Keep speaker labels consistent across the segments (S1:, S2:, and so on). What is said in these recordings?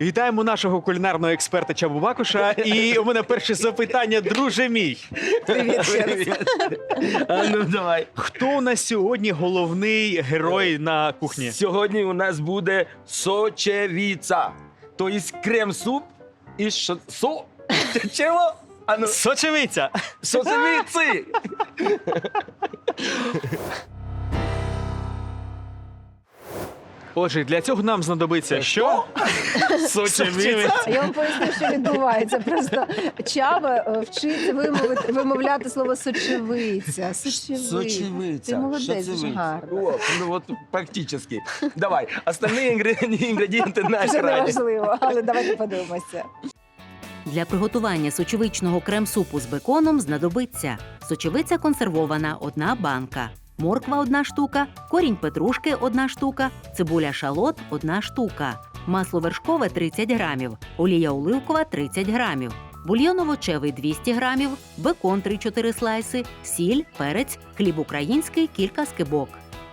S1: Вітаємо нашого кулінарного експерта Чабу Бакуша. І у мене перше запитання, друже мій.
S2: Привіт ще раз.
S3: А ну давай.
S1: Хто у нас сьогодні головний герой на кухні?
S3: Сьогодні у нас буде сочевіця. Тобто крем-суп із Чого? А ну,
S1: Сочевиця.
S3: сочевіці.
S1: Отже, для цього нам знадобиться що? Сочевиця.
S2: Я вам поясню, що відбувається. Просто Чаба вчиться вимовляти слово сочевиця. Ти молодець, дуже гарно.
S3: О, ну от практично. Давай, остальні інгредієнти на
S2: Це
S3: екрані.
S2: неважливо, але давайте подивимося.
S4: Для приготування сочевичного крем-супу з беконом знадобиться сочевиця консервована – 1 банка, морква – 1 штука, корінь петрушки – 1 штука, цибуля шалот – 1 штука, масло вершкове – 30 грамів, олія оливкова – 30 грамів, бульйон овочевий – 200 грамів, бекон – 3-4 слайси, сіль, перець, хліб український – кілька скибок.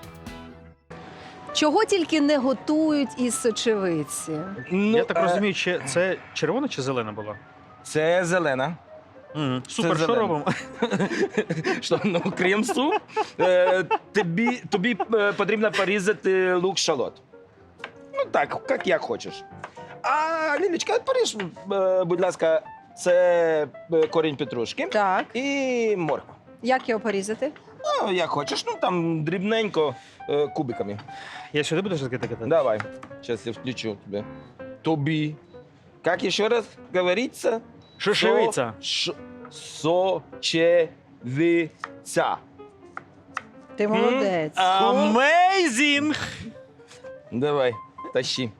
S2: Чого тільки не готують із сочевиці?
S3: Ну,
S1: Я так розумію, це червона чи зелена була?
S3: Це зелена.
S1: Супер, що
S3: зелена.
S1: робимо?
S3: Що, ну, крем-суп. Тобі потрібно порізати лук-шалот. Ну так, як хочеш. А, Лілечка, поріж, будь ласка, це корінь петрушки
S2: Так,
S3: і морква.
S2: як його порізати?
S3: Ну, як хочеш, ну там дрібненько, кубиками.
S1: Я сюди буду щось кидати?
S3: Давай, зараз я включу тебе. Тобі. Як ще раз говориться?
S1: Сочевиця.
S3: Сочевиця.
S2: Ти молодець.
S1: Amazing!
S3: Давай, тащи.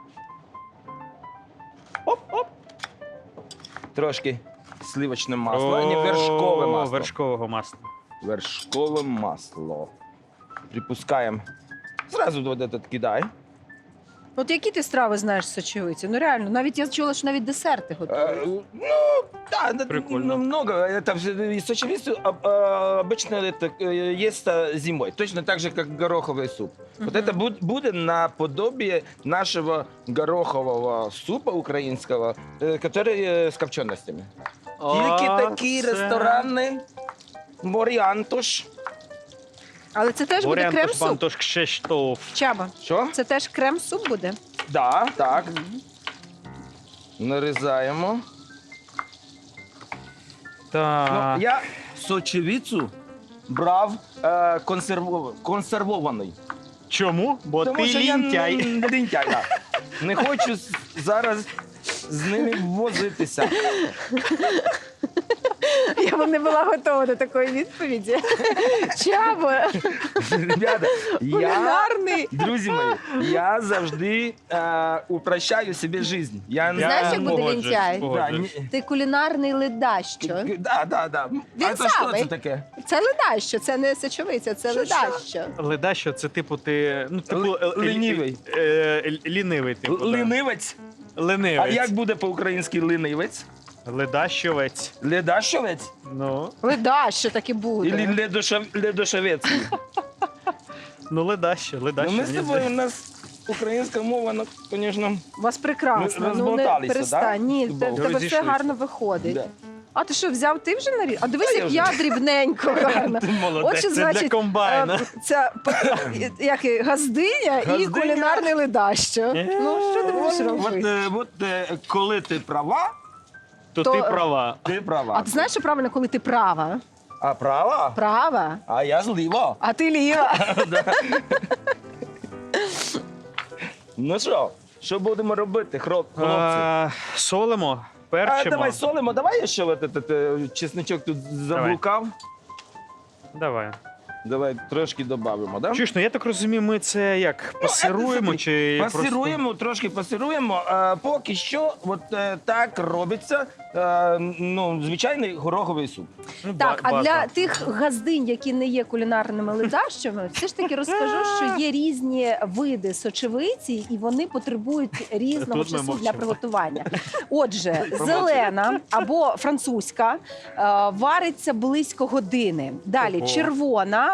S3: Оп-оп. Трошки сливочне масло, а не вершкове масло.
S1: Вершкового масла.
S3: Вершкове масло. Припускаємо. Зразу вот этот кидай.
S2: От які ти страви знаєш з сочевиці? Ну реально, навіть я чула, що навіть десерти готують.
S3: Ну, да,
S1: Прикольно.
S3: много. Это и сочевицу обычно это есть зимой. Точно так же, как гороховый суп. Вот это будет наподобие нашего горохового супа украинского, который с копченостями. Тільки такі ресторанні варіантуш.
S2: Але це теж буде
S1: Варіантуш
S2: крем-суп?
S1: Бантош Кшештоф.
S2: Чаба,
S3: Що?
S2: це теж крем-суп буде?
S3: Да, так. Нарізаємо.
S1: Так.
S3: Ну, я сочевицю брав консервований.
S1: Чому? Бо
S3: Тому
S1: ти
S3: що я
S1: лінтяй.
S3: лінтяй, да. Не хочу зараз з ними возитися.
S2: Я б не була готова до такої відповіді. Чаба,
S3: Ребята,
S2: кулінарний.
S3: друзі мої, я завжди упрощаю собі життя.
S2: Знаєш, як буде
S1: погоджуюсь,
S2: лінтяй?
S1: погоджуюсь.
S2: Ти кулінарний ледащо.
S3: Да.
S2: Він
S3: А це що
S2: самий.
S3: це таке?
S2: Це ледащо, це не сочевиця, це
S3: Що?
S2: ледащо.
S1: Ледащо, це типу ти... Ну, типу,
S3: Лінивий.
S1: Лінивий, типу. да.
S3: Лінивець?
S1: Ленивець.
S3: А як буде по-українськи лінивець?
S1: Ледащовець.
S3: Ледащовець?
S1: Ну,
S2: Ледащо так і буде.
S3: Или ледошовець?
S1: ну ледащо.
S3: Ну, ми з тобою, у нас українська мова, ну, звісно,
S2: У вас прекрасно.
S3: Ми
S2: Ну не
S3: розболталися,
S2: перестань.
S3: да?
S2: Ні, в тебе все
S1: Розійшлися.
S2: гарно виходить.
S3: да.
S2: А ти що, взяв ти вже наріз? А дивись,
S3: Та я
S2: як
S3: вже.
S2: я дрібненько гарно.
S1: Ти молодець,
S2: От що
S1: це
S2: значить,
S1: для комбайна.
S2: Це як і газдиня і
S3: Газдиня.
S2: кулінарний ледащо. Ну, що ти будеш робити?
S3: От коли ти права,
S1: То
S2: то-
S1: ти права.
S3: ти права.
S2: А ти знаєш, що правильно, коли ти права?
S3: А права?
S2: Права,
S3: А я зліва.
S2: а ти ліва.
S3: Ну що будемо робити, хлопці?
S1: Солимо,
S3: А
S1: перчимо.
S3: давай солимо, давай я ще от этот чесничок тут заблукав.
S1: Давай.
S3: Давай трошки додамо, да?
S1: Чуєш, ну я так розумію, ми це як пасируємо
S3: це
S1: чи
S3: Пасируємо, трошки пасируємо. Поки що от так робиться ну, звичайний гороховий суп.
S1: Ну,
S2: Так, а
S1: база.
S2: для тих газдинь, які не є кулінарними ледащами, все ж таки розкажу, що є різні види сочевиці, і вони потребують різного
S1: Тут ми
S2: часу для
S1: мовчимо.
S2: приготування. Отже, зелена або французька вариться близько години. Далі
S1: Ого.
S2: червона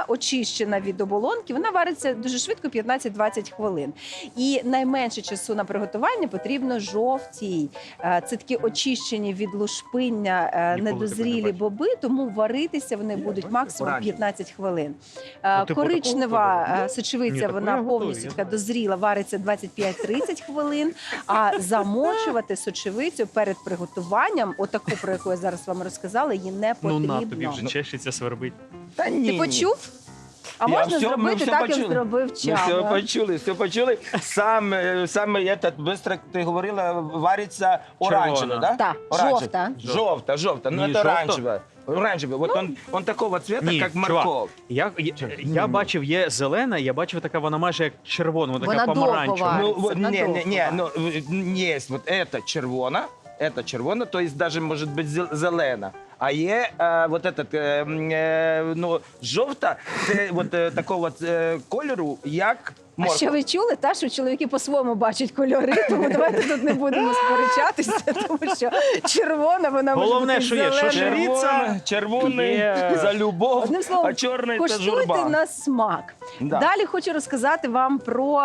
S2: вона очищена від оболонки, вона вариться дуже швидко, 15-20 хвилин. І найменше часу на приготування потрібно жовтій. Це такі очищені від лушпиння
S1: Ніколи такого не
S2: недозрілі
S1: бачив.
S2: боби, тому варитися вони будуть максимум
S3: Оранжеві.
S2: 15 хвилин.
S1: Ну, типу,
S2: Коричнева
S1: такого
S2: сочевиця,
S1: Ні, таку
S2: вона
S1: я готую,
S2: повністю
S1: я
S2: така
S1: знаю.
S2: дозріла, вариться 25-30 хвилин, а замочувати сочевицю перед приготуванням, отаку, про яку я зараз вам розказала, її не
S1: Ну
S2: потрібно.
S1: на, тобі вже чешеться, свербить.
S3: Та ні,
S2: Ти почув? А
S3: Я
S2: можна
S3: все- ми
S2: зробити
S3: все
S2: так, як
S3: почули.
S2: зробив
S3: Ми все
S2: Чаба.
S3: почули, все почули. Саме этот, быстро, ти говорила, вариться оранжевий,
S1: Червона.
S3: да?
S2: Так,
S3: Оранжевый.
S2: жовта.
S3: Желтая. Ну,
S1: Не
S3: это
S1: желто?
S3: оранжевая. Оранжевый. Вот он такого цвета,
S1: Ні,
S3: как
S1: чувак,
S3: морковь.
S1: Я бачив, є зелена, я бачив така, вона майже як червона, вона така
S2: Вона довго
S1: помаранчева.
S2: вариться.
S3: Ну, вот,
S2: надолго
S3: ну, есть вот это червона, то есть даже может быть зелена. А є вот этот, ну, жовта, це вот такого кольору, як
S2: А
S3: морква.
S2: ще ви чули, та, що чоловіки по-своєму бачать кольори, тому давайте тут не будемо сперечатися, тому що червона, вона
S1: Головне,
S2: може
S1: що
S2: бути
S1: є, що
S2: зеленою.
S1: шириться,
S3: Червоний
S1: є-
S3: за любов,
S2: Одним словом,
S3: а чорний це
S2: Коштуйте
S3: журба.
S2: на смак.
S3: Да.
S2: Далі хочу розказати вам про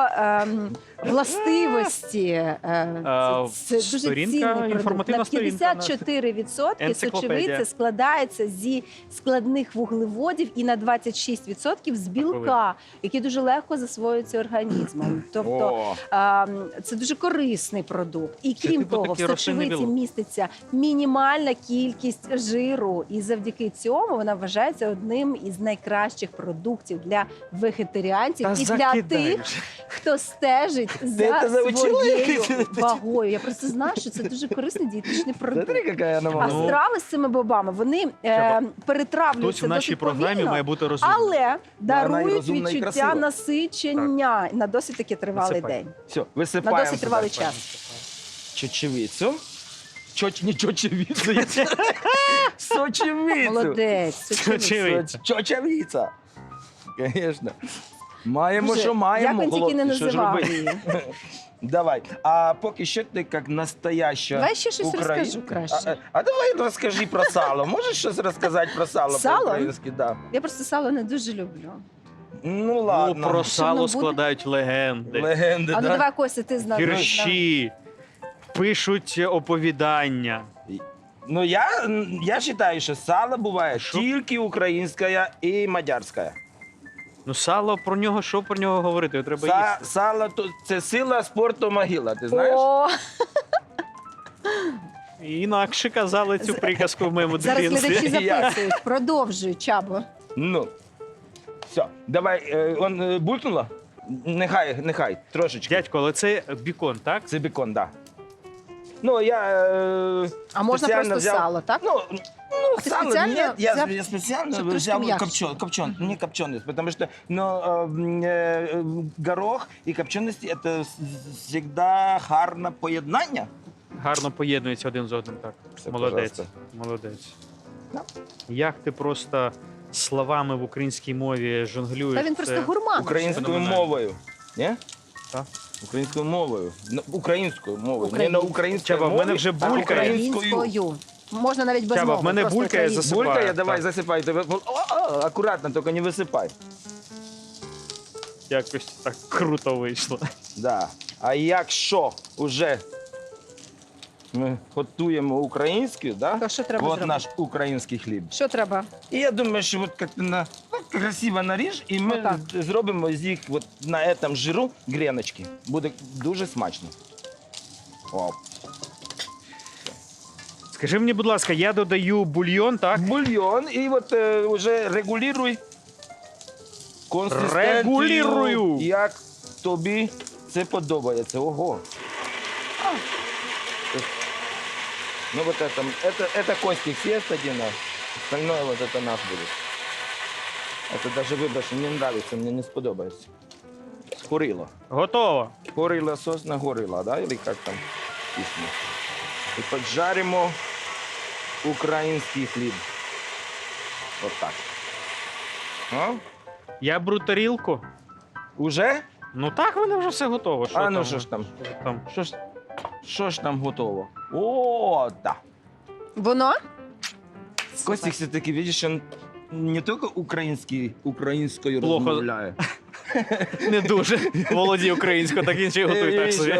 S2: властивості. Це дуже
S1: сторінка,
S2: цінний продукт.
S1: інформативна
S2: На
S1: сторінка
S2: 54%
S1: Енциклопедія.
S2: сочевиця складається зі складних вуглеводів і на 26% з білка, які дуже легко засвоюються організмом. Тобто
S3: О,
S2: це дуже корисний продукт. І
S1: Це
S2: крім
S1: типу
S2: того, в
S1: такий рослинний
S2: сочевиці
S1: білок.
S2: міститься мінімальна кількість жиру, і завдяки цьому вона вважається одним із найкращих продуктів для вегетаріанців
S1: Та
S2: і для
S1: закидай
S2: тих,
S1: вже.
S2: хто стежить
S3: це
S2: за
S3: заучила?
S2: своєю вагою. Я просто знаю, що це дуже корисний дієтичний продукт.
S3: смотри, какая она
S2: А
S3: молодая.
S1: Ну,
S2: страви з цими бобами вони
S1: Чаба, Хтось
S2: перетравлюються
S1: в нашій
S2: досить
S1: програмі
S2: повільно,
S1: має бути розумним.
S2: але
S3: вона і
S2: дарують
S3: розумна, і
S2: відчуття
S3: красива.
S2: насичення на досить таки тривалий
S1: Насипай.
S2: день.
S3: Все,
S2: На
S3: висипаємо
S2: досить тривалий
S3: сюди.
S2: час.
S3: Чечевицю. Не чечевицю. Сочевицю.
S2: Молодець.
S1: Сочевиця.
S3: Чечевиця. Конечно. Маємо,
S2: Боже,
S3: що маємо.
S2: як він тільки не
S3: хлопці, що ж
S2: називав
S3: робити?
S2: її.
S3: Давай. А поки що ти як настояща
S2: Давай ще щось
S3: українка.
S2: розкажу краще.
S3: А давай розкажи про сало. Можеш щось розказати про сало
S2: Сало?
S3: по-українськи? Да.
S2: Я просто сало не дуже люблю.
S3: Ну
S1: Ну,
S3: ладно.
S1: про
S2: Що
S1: сало
S2: воно буде?
S1: складають легенди,
S3: Легенди,
S2: А ну
S3: да?
S2: давай, Костя, ти знаєш.
S1: вірші, пишуть оповідання.
S3: Ну я вважаю, що сало буває
S1: Що?
S3: тільки українське і мадярське.
S1: Ну, сало, про нього, що про нього говорити? Його треба їсти.
S3: Сало то це сила спорту могила, ти знаєш?
S2: О,
S1: Інакше казали цю приказку в моєму
S2: зараз глядачі
S1: дитинстві.
S2: записують. Продовжуй, Чабо.
S3: Ну. Все, давай, булькнуло? Нехай, трошечки.
S1: Дядько, але це бікон, так?
S3: Це бекон, так. Да. Ну, я
S2: А можна
S3: спеціально
S2: просто сало, так?
S3: Ну,
S2: А ти
S3: сало
S2: спеціально
S3: нет, я
S2: взяв,
S3: специально
S2: щоб трошки
S3: взял
S2: м'якше?
S3: не копченый, потому что горох и копченость это всегда гарне поєднання.
S1: Гарно поєднується один з одним, так.
S3: Все,
S1: Молодець.
S3: пожалуйста.
S1: Молодець.
S3: Да.
S1: Як ти просто словами в українській мові жонглюєш?
S2: Та він
S1: це-
S2: просто гурман.
S3: Українською
S1: Феноменально.
S3: мовою. Ні?
S1: Так.
S3: Українською мовою. Українською мовою. Не на українській
S1: Чаба, в
S3: мові,
S1: мене вже
S3: а
S1: булькає.
S3: українською.
S2: Українською. Можна навіть без
S1: Чаба,
S2: мови.
S1: в мене
S2: просто
S1: булькає
S2: українською.
S1: засипаю.
S3: Булькає, давай,
S1: Так.
S3: засипай. Акуратно, тільки не висипай.
S1: Якось так круто вийшло.
S3: Да. А якщо вже ми готуємо українською, да?
S2: То що треба
S3: от
S2: зробити?
S3: наш український хліб.
S2: Що треба?
S3: І я думаю, що от як красиво наріж, і ми
S2: Отак.
S3: зробимо з їх от на цьому жиру гріночки. Буде дуже смачно. О.
S1: Скажи мені, будь ласка, я додаю бульйон, так?
S3: Бульйон, і от вже регулюй консистенцію,
S1: Регулюю.
S3: як тобі це подобається. Ого. Ну вот это Костик съест один, а остальное вот это наш будет. Это даже выбор, мне нравится, мне не сподобается. Горилла.
S1: Готово.
S3: Горилла сос на горилла, да? Или как там пісня? І поджаримо український хліб. Вот так. А?
S1: Я беру тарілку.
S3: Уже?
S1: Ну так, в мене вже все готово. Що
S3: А ну що ж там? Що ж там готово? О, да.
S2: Воно?
S3: Костик все-таки, видишь, он не тільки українською
S1: Плохо.
S3: розмовляє.
S1: Не дуже володіє українською, так він ще й готує так собі.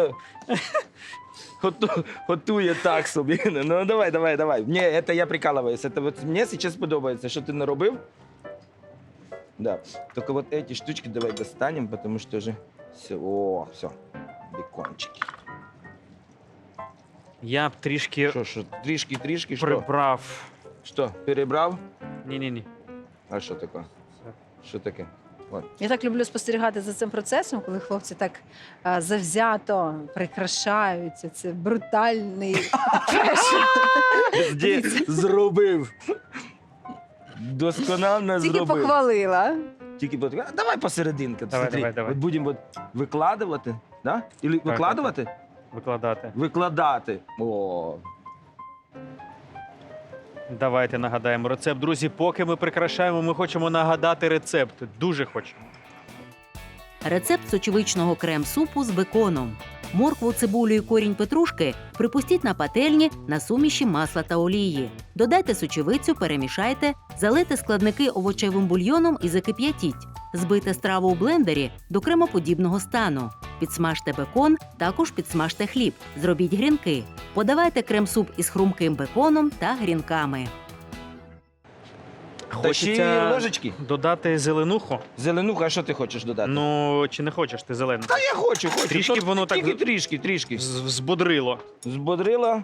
S3: Готує так собі. Ну давай. Ні, це я прикалуюсь. Це от мені зараз подобається, що ти наробив. Да. Только вот эти штучки давай достанем, потому что уже все. О, все. Бекончики.
S1: Я б трішки
S3: Що, трішки, що?
S1: прибрав.
S3: Що, перебрав?
S1: Ні.
S3: А що таке? Що таке? От.
S2: Я так люблю спостерігати за цим процесом, коли хлопці так завзято прикрашаються. Це брутальний фешн.
S3: Зробив. Досконально
S2: Тільки
S3: зробив.
S2: похвалила.
S3: Давай посерединки.
S1: Давай.
S3: От будемо викладувати, да? Или викладувати?
S1: Викладати.
S3: Викладати. О.
S1: Давайте нагадаємо рецепт. Друзі, поки ми прикрашаємо, ми хочемо нагадати рецепт. Дуже хочемо.
S4: Рецепт сочевичного крем-супу з беконом. Моркву, цибулю і корінь петрушки припустіть на пательні на суміші масла та олії. Додайте сочевицю, перемішайте, залийте складники овочевим бульйоном і закип'ятіть. Збийте страву у блендері до кремоподібного стану. Підсмажте бекон, також підсмажте хліб. Зробіть грінки. Подавайте крем-суп із хрумким беконом та грінками.
S3: Та ще й
S1: Хочеться
S3: ложечки.
S1: додати зеленуху.
S3: Зеленуха, а що ти хочеш додати?
S1: Ну, чи не хочеш ти зелену?
S3: Та я хочу.
S1: Трішки
S3: Тут
S1: воно так-
S3: Тільки трішки.
S1: Збодрило.
S3: Збодрила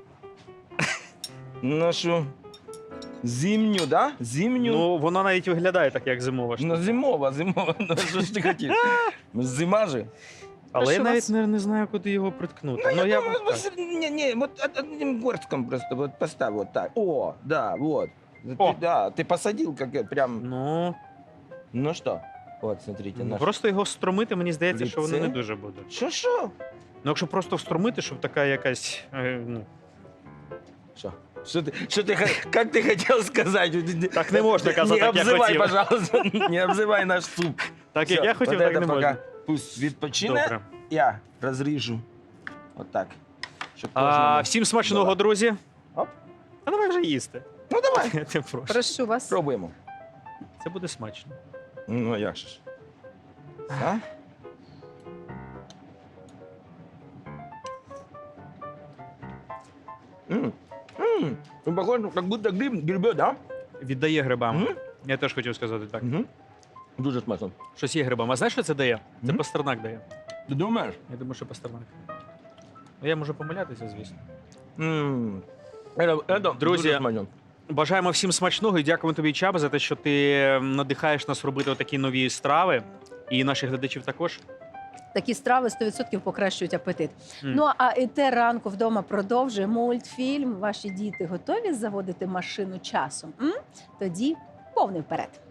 S3: нашу зимню, да? Зимню.
S1: Ну, воно навіть виглядає так, як зимова штука.
S3: Ну, зимова. Ну, що ж ти хотів? Зима же.
S1: Але я
S2: Прошу
S1: навіть
S2: вас.
S1: не знаю, куди його приткнути.
S3: Ну, я
S1: б
S3: думаю,
S1: так.
S3: не, вот одним горстком просто вот поставь вот так. О, да, вот.
S1: О.
S3: Ты посадил как прям,
S1: Ну,
S3: ну что? Вот, смотрите, наш.
S1: просто його встромити, мені здається, що воно
S3: Лице.
S1: не дуже буде.
S3: Що?
S1: Ну, якщо просто встромити, щоб така якась. Ну,
S3: Что ты, как ты хотел сказать?
S1: Так не можна казати,
S3: Не
S1: як я
S3: обзывай,
S1: хотів.
S3: пожалуйста, не обзывай наш суп.
S1: так як
S3: Всё,
S1: я хотів,
S3: вот
S1: так
S3: это
S1: не
S3: пока
S1: можна.
S3: Пусть відпочине.
S1: Добре.
S3: Я розріжу. Вот так. Щоб
S1: А,
S3: кожному
S1: всім смачного,
S3: було.
S1: друзі.
S3: Оп.
S1: А давай вже їсти.
S3: Ну давай,
S1: Я тебе прошу.
S2: Прошу вас.
S3: пробуємо.
S1: Це буде смачно.
S3: Ну, як же ж. А? Ну, похоже, как будто грибет, да?
S1: Віддає грибам.
S3: Мгм.
S1: Я теж хотів сказати так.
S3: Угу. Дуже смачно.
S1: Щось є грибам. А знаєш, що це дає? Це
S3: Мгм.
S1: пастернак дає.
S3: Ти думаєш?
S1: Я думаю, що пастернак. Ну, я можу помилятися, звісно.
S3: Это
S1: Друзі,
S3: дуже смачно.
S1: Бажаємо всім смачного і дякуємо тобі, Чаба, за те, що ти надихаєш нас робити такі нові страви. І наших глядачів також.
S2: Такі страви 100% покращують апетит.
S1: Мм.
S2: Ну а ІТ ранку вдома продовжує мультфільм. Ваші діти готові заводити машину часом? Тоді повний вперед.